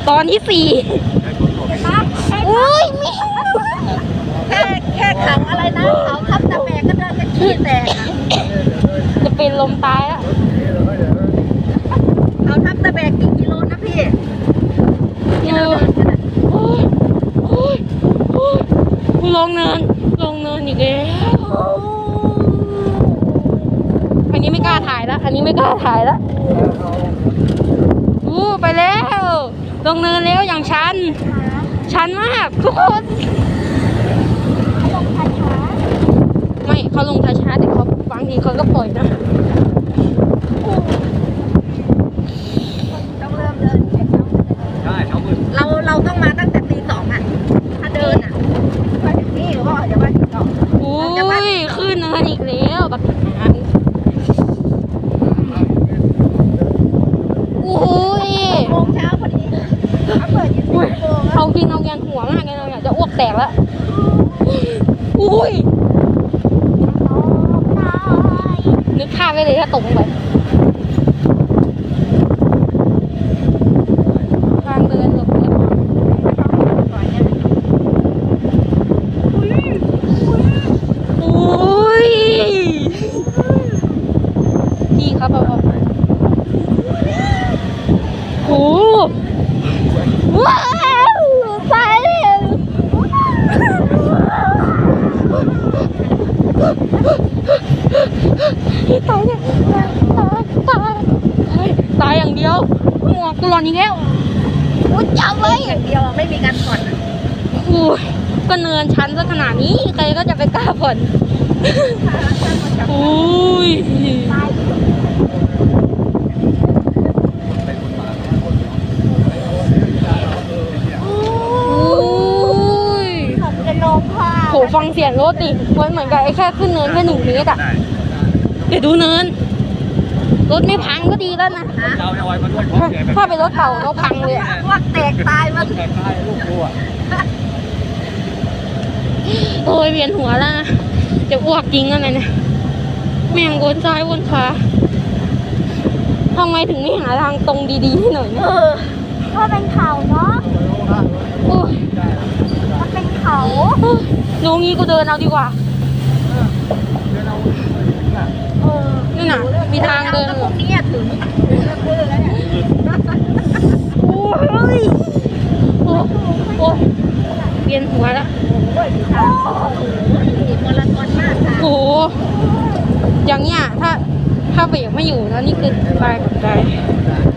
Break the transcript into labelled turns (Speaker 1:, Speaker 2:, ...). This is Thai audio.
Speaker 1: ตอนที่4อุ้ย
Speaker 2: แค่เขาอะไรนะเขาทับตะแบกก็เดินจะขี้แตก
Speaker 1: จะเป็นลมตายแล้ว
Speaker 2: เขาทับตะแบกกี่กิโลนะพี่
Speaker 1: ที่เราเดินกันลงเนินอีกแล้วอันนี้ไม่กล้าถ่ายแล้วไปแล้วลงเนินแล้วอย่างชันมากทุกคนไม่เขาลงช้าๆแต่เขาบางทีเขาก็ปล่อยนะ
Speaker 2: ต้องเริ่มเดิน
Speaker 3: ใช่เขามืด
Speaker 2: เราต้องมาตั้งแต่ตี 2อ่ะถ้าเดินอ่ะไปถึงนี่หรือว่าจะมาถึงก่อน
Speaker 1: ขึ้นเนินอีกแล้วแบบ
Speaker 2: โมงเช้าพอดีเขาเปิด24 ชั่วโมง
Speaker 1: เอากินเอาแกนหัวมากเลยอยากจะอ้วกแตกแล้วอุ้ยนึกภาพไว้เลยถ้าตกลงไปทางเดินหลบเลี่ยงอุ้ยพี่ครับโอ้ว้าวตายเลยตายเนี่ยตายอย่างเดียวหมวกกูหล่นอีกแล้ว
Speaker 2: จับไว้อย่างเดียวไม่มีการผ่อน
Speaker 1: ก็เนินชันซะขนาดนี้ใครก็จะไปกล้าผ่อนอุ้ยโหฟังเสียงรถดิมันเหมือนกับไอ้แค่ขึ้นเนินแค่1 เมตรอ่ะเดี๋ยวดูเนินรถไม่พังก็ดีแล้วนะถ้าเป็นรถเก่าเราพังเลย
Speaker 2: ว่าแตกตายมัน
Speaker 1: โอ้ยเวียนหัวแล้วนะจะอ้วกจริงอะไรเนี่ยแม่งวนซ้ายวนขวาทำไมถึงไม่หาทางตรงดีๆให้หน่อยเนี่ย
Speaker 2: เพราะเป็นเขาเนาะมันเป็นเขา
Speaker 1: ดูงี้กูเดินเอาดีกว่านี่น่ะมีทางเดิน
Speaker 2: พวกนี้ถึง
Speaker 1: โอ้ยเวียนหัวแล้ว
Speaker 2: มาราธอนมากค่ะ
Speaker 1: โอ้อย่างเงี้ยถ้าเบรกไม่อยู่แล้วนี่คือตายกับใจ